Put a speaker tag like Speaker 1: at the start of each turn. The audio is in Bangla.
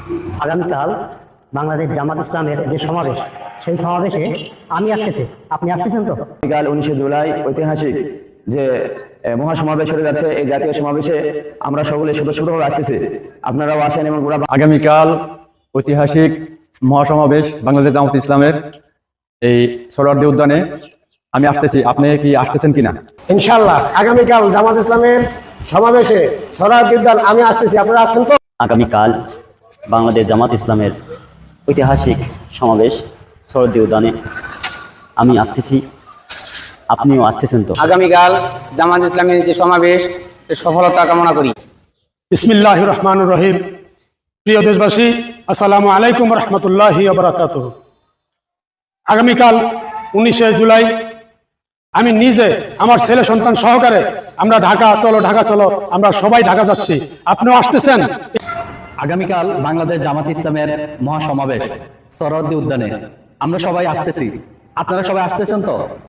Speaker 1: আগামীকাল বাংলাদেশ জামাত ইসলামের যে সমাবেশ, সেই সমাবেশে আমি আসতেছি, আপনি আসতেছেন তো?
Speaker 2: আগামীকাল 19শে জুলাই ঐতিহাসিক যে মহাসমাবেশ হয়ে যাচ্ছে, এই জাতীয় সমাবেশে আমরা সকলে স্বতঃস্ফূর্তভাবে আসতেছি। আপনারাও আসেন এবং
Speaker 3: আগামীকাল ঐতিহাসিক মহাসমাবেশ বাংলাদেশ জামাত ইসলামের এই সোহরাওয়ার্দী উদ্যানে আমি আসতেছি। আপনি কি আসতেছেন কিনা?
Speaker 4: ইনশাআল্লাহ আগামীকাল জামাত ইসলামের সমাবেশে সোহরাওয়ার্দী উদ্যান আমি আসতেছি, আপনারা আসছেন তো?
Speaker 5: আগামীকাল বাংলাদেশ জামাত ইসলামের ঐতিহাসিক সমাবেশ সোহরাওয়ার্দী উদ্যানে আমি আসতেছি, আপনিও আসতেছেন তো?
Speaker 6: আগামীকাল জামাত ইসলামের যে সমাবেশ, সফলতা কামনা করি।
Speaker 7: বিসমিল্লাহির রহমানির রহিম। প্রিয় দেশবাসী, আসসালামু আলাইকুম রহমতুল্লাহি ওয়া বারাকাতুহু। আগামীকাল 19শে জুলাই আমি নিজে আমার ছেলে সন্তান সহকারে আমরা ঢাকা চলো আমরা সবাই ঢাকা যাচ্ছি, আপনিও আসতেছেন?
Speaker 3: আগামীকাল বাংলাদেশ জামাত ইসলামের মহাসমাবেশ সোহরাওয়ার্দী উদ্যানে আমরা সবাই আসতেছি, আপনারা সবাই আসতেছেন তো?